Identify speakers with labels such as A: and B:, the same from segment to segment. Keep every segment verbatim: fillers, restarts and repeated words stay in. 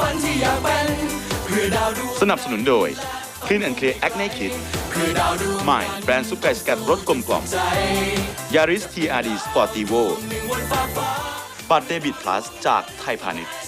A: ฝันที่อยากเป็นเพื่อดาวดวงสนับสนุนโดย Clean and Clear Acne Kit เพื่อดาวดวงใหม่แบรนด์ซุปไก่สกัดรสกลมกล่อม Yaris ที อาร์ ดี Sportivo บัตรเดบิต Plus จากไทยพาณิชย์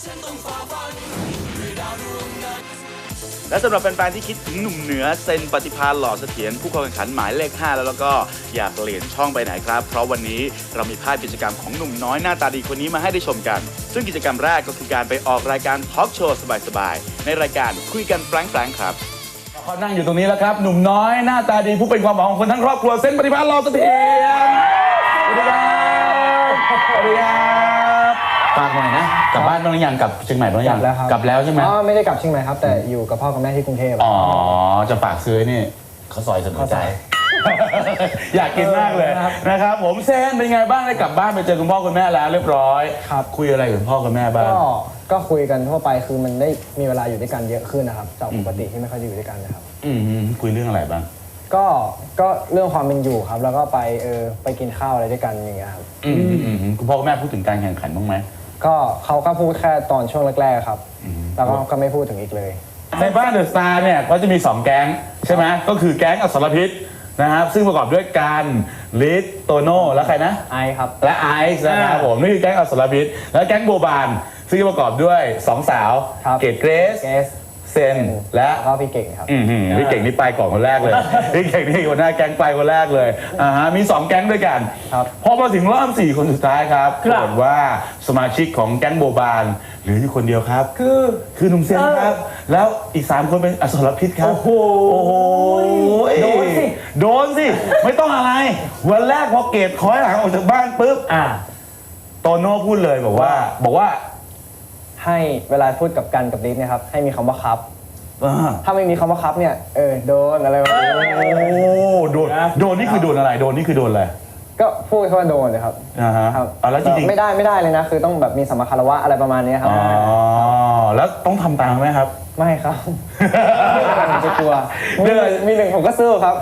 A: และสำหรับแฟนๆที่คิดถึงหนุ่มเหนือเซนปฏิภาณหล่อเสถียรผู้เข้าแข่งขันหมายเลขห้าแล้วแล้วก็อยากเปลี่ยนช่องไปไหนครับเพราะวันนี้เรามีภาพกิจกรรมของหนุ่มน้อยหน้าตาดีคนนี้มาให้ได้ชมกันซึ่งกิจกรรมแรกก็คือการไปออกรายการทอล์กโชว์สบายๆในรายการคุยกันแฟรงค์ๆครับ
B: เขานั่งอยู่ตรงนี้แล้วครับหนุ่มน้อยหน้าตาดีผู้เป็นความหวังของคนทั้งครอบครัวเซนปฏิภาณหล่อเสถียรสวัสดีครับสวัสดีครับฝากหน่อยนะกลับบ้านบ้างหรือยังกลับเชียงใหม่บ้างหรือยัง
C: กลับแล้วครับ
B: กลับแล้วใช่ไหม
C: อ๋อไม่ได้กลับเชียงใหม่ครับแต่อยู่กับพ่อกับแม่ที่กรุงเทพ
B: อ๋อจะฝากซื้อนี่เขาซอยสนใจอยากกินมากเลยนะครับผมเซนเป็นไงบ้างได้กลับบ้านไปเจอคุณพ่อคุณแม่แล้วเรียบร้อย
C: ครับ
B: คุยอะไรกับพ่อกับแม่บ้าง
C: ก็ก็คุยกันทั่วไปคือมันได้มีเวลาอยู่ด้วยกันเยอะขึ้นนะครับจากปกติที่ไม่ค่อยได้อยู่ด้วยกันนะครับ
B: อืมคุยเรื่องอะไรบ้าง
C: ก็ก็เรื่องความเป็นอยู่ครับแล้วก็ไปเออไปกินข้าวอะไรด้วยกันอย่างเงี้ยครับ
B: อืมคุณพ่อคุณแม่พูดถึงการแข่งขันบ้างไหม
C: ก็เขาก็พูดแค่ตอนช่วงแรกๆครับแล้วก็ก็ไม่พูดถึงอีกเลย
B: ในบ้านเดอะสตาร์เนี่ยก็จะมีสองแก๊งใช่ไหมก็คือแก๊งอสรพิษนะครับซึ่งประกอบด้วยการลิศโตโน่และใครนะ
C: ไอครับ
B: และไอซ์นะครับผมนี่คือแก๊งอสรพิษและแก๊งโบบานซึ่งประกอบด้วยสองสาวเกดเกรซเซนและ
C: ก็พี่เก่งครับ
B: พี่เก่งนี่ไปก่อนคนแรกเลยพี่เก่งนี่คนหน้าแก๊งไปคนแรกเลยอ่าฮะมีสองแก๊งด้วยกันพอมาถึงรอบสี่คนสุดท้ายครับปรากฏว่าสมาชิกของแก๊งโบบานเหลืออยู่คนเดียวครับ
C: คือ
B: คือหนุ่มเซนครับแล้วอีกสามคนเป็นอสรพิษครับโอ้โหโดนสิโดนสิไม่ต้องอะไรวันแรกพอเกดคอยหลังออกจากบ้านปุ๊บอ่าโตโน่พูดเลยบอกว่าบอกว่า
C: ให้เวลาพูดกับกันกับลิศเนี่ยครับให้มีคำว่าครับถ้าไม่มีคำว่าครับเนี่ยเออโดนอะไรแบบนี้
B: โอ้โดนโดนนี่คือโดนอะไรโดนนี่คือโดนอะไร
C: ก็พูดคำว่าโดนเลยครับ
B: อ่าฮะแล้วจริงๆ
C: ไม่ได้ไม่ได้เลยนะคือต้องแบบมีสัมมาคารวะอะไรประมาณนี้ครับ
B: อ๋อแล้วต้องทำตามไหมครับ
C: ไม่ครับผมจะกลัวมีหนึ่งผมก็สู้ครับ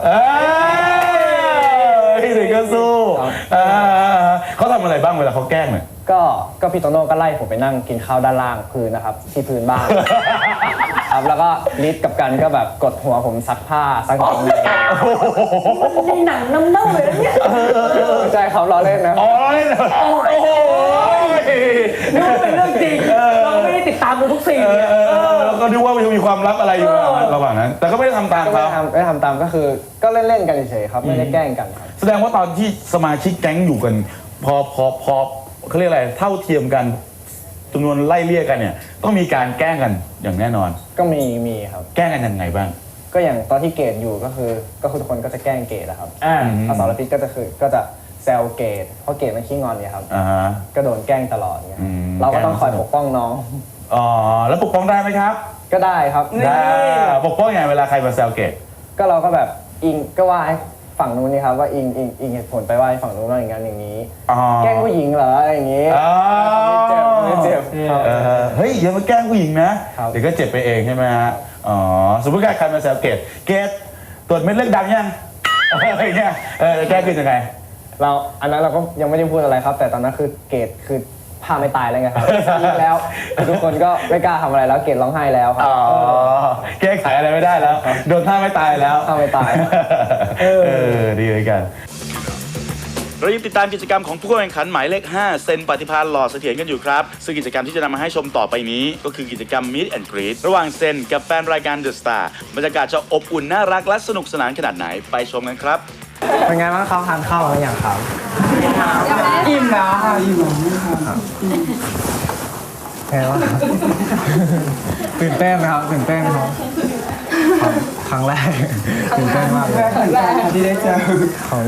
B: มีหนึ่งก็สู้เขาทำอะไรบ้างเวลาเขาแกล้งเนี่ย
C: ก็ก็พี่โตโน่ก็ไล่ผมไปนั่งกินข้าวด้านล่างพื้นนะครับที่พื้นบ้านครับแล้วก็ลิศกับกันก็แบบกดหัวผมซักผ้าซักกางเกง
D: มันในหนังน้ำเน่าเลยนะเนี่ย
C: ใช่เขาล้อเล่นนะ
B: อ๋อเล่นโอ้โห
D: นึกว่าเป็นเรื่องจริงเราไม่ได้ติดตามดูทุกซีน
B: แล้วก็นึกว่ามันมีความลับอะไรอยู่ระหว่างนั้นแต่ก็ไม่ได้ทำตามเขา
C: ไม่ทำตามก็คือก็เล่นๆกันเฉยๆครับไม่ได้แกล้งกัน
B: แสดงว่าตอนที่สมาชิกแก๊งอยู่กันพอพอพอเขาเรียกอะไรเท่าเทียมกันจำนวนไล่เลี่ยกันเนี่ยต้องมีการแกล้งกันอย่างแน่นอน
C: ก็มีมีครับ
B: แกล้งกันยังไงบ้าง
C: ก็อย่างตอนที่เกดอยู่ก็คือก็คือทุกคนก็จะแกล้งเกดนะครับอ่าอสรพิษก็จะคือก็จะแซวเกดเพราะเกดมันขี้งอนเนี่ยครับ
B: อ่าฮะ
C: ก็โดนแกล้งตลอดเนี่ยเราก็ต้องคอยปกป้องน้อง
B: อ๋อแล้วปกป้องได้ไหมครับ
C: ก็ได้ครับ
B: ได้ปกป้องยังไงเวลาใครมาแซวเกด
C: ก็เราก็แบบอิงก็ว่าฝั่งนู้นนี่ครับว่าอิงอิงอิงเหตุผลไปว่าฝั่งนู้นว่าอย่างนั้นอย่างนี้แกล้งผู้หญิงเหรออะไรอย่างนี้ไม่เจ็บไม่เจ็บ
B: เฮ้ยอย่ามาแกล้งผู้หญิงนะเดี๋ยวก็เจ็บไปเองใช่ไหมฮะอ๋อสมมติใครมาแซวเกดเกดตรวจเม็ดเลือดดังยังอะไรเงี้ยเออแก้คือยังไง
C: เราอันนั้นเราก็ยังไม่ได้พูดอะไรครับแต่ตอนนั้นคือเกดคือผ้าไม่ตายแล้วไงครับแล้วทุกคนก็ไม่กล้าทำอะไรแล้วเกดร้องไห้แล้วครับ
B: อ๋อแก้ไขอะไรไม่ได้แล้วโดนท่าไม่ตายแล้ว
C: ท่าไม่ตาย
B: เออดีเลยกัน
A: เรายังติดตามกิจกรรมของผู้แข่งขันหมายเลขห้าเซนปฏิภาณหล่อเสถียรกันอยู่ครับซึ่งกิจกรรมที่จะนำมาให้ชมต่อไปนี้ก็คือกิจกรรม Meet and Greet ระหว่างเซนกับแฟนรายการ The Star บรรยากาศจะอบอุ่นน่ารักและสนุกสนานขนาดไหนไปชมกันครับ
C: เป็นไงบ้างครับทานข้าวแล้วอย่างครับ
D: อิ่มแล้วค่ะอิ่ม
C: ครับแค่ว่าตื่นเต้นไหมครับตื่นเต้นครับครั้งแรกตื่นเต้นมากเลย
D: ครั้งแรกที่ได้เจอ
C: เขา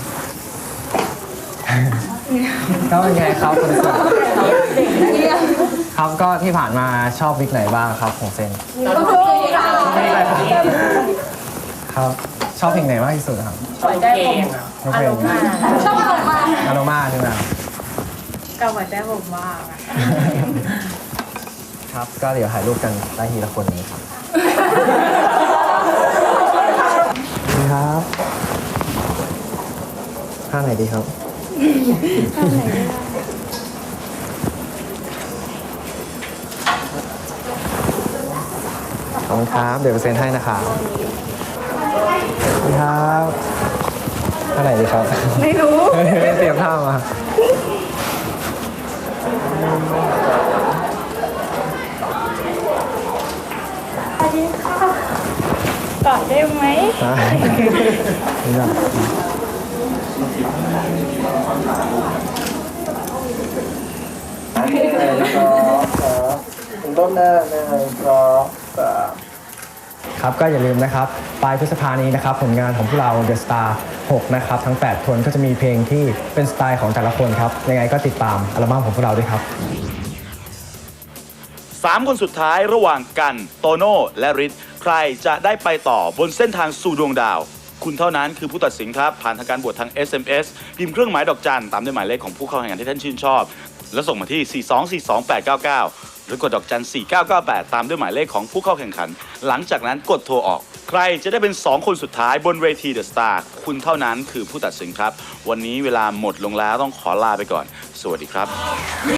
C: ก็เป็นไงครับคุณสุครับก็ที่ผ่านมาชอบวิกไหนบ้างครับของเซนครับชอบเพลงไหนมากที่สุดครับ
D: หัวใจผม
C: อารมณ์
D: ชอบอารมณ์มาก
C: อารมณ์มากใช่ไหม
D: กับหัวใจผมมาก
C: ครับก็เดี๋ยวถ่ายรูปกันได้ทีละคนนี้ครับนี่ครับท่าไหนดีครับท่าไหนดีอบคุณครับ เดี๋ยวเซ็นให้นะครับขอบคุณครับเท่าไหร่ดีครับ
E: ไม่รู้
C: เตรียมท่ามา
E: สวัสดีค่ะกอดได้ไหม
C: ได้ไม่ได้
B: ต้นหน้าหนึ่งสองสาม
C: ครับก็อย่าลืมนะครับปลายพฤษภานี้นะครับผลงานของพวกเรา The Star หกนะครับทั้งแปดคนก็จะมีเพลงที่เป็นสไตล์ของแต่ละคนครับยังไงก็ติดตามอัลบั้มของพวกเราด้วยครับ
A: สามคนสุดท้ายระหว่างกันโตโน่และฤทธิ์ใครจะได้ไปต่อบนเส้นทางสู่ดวงดาว คุณเท่านั้นคือผู้ตัดสินครับผ่านทางการบวชทาง เอส เอ็ม เอส พิมพ์เครื่องหมายดอกจันตามด้วยหมายเลขของผู้เข้าแข่งขันที่ท่านชื่นชอบแล้วส่งมาที่ สี่ สอง สี่ สอง แปด เก้า เก้า หรือกดดอกจัน สี่ เก้า เก้า แปด ตามด้วยหมายเลขของผู้เข้าแข่งขัน หลังจากนั้นกดโทรออก ใครจะได้เป็นสองคนสุดท้ายบนเวที The Star คุณเท่านั้นคือผู้ตัดสินครับวันนี้เวลาหมดลงแล้วต้องขอลาไปก่อนสวัสดีครับ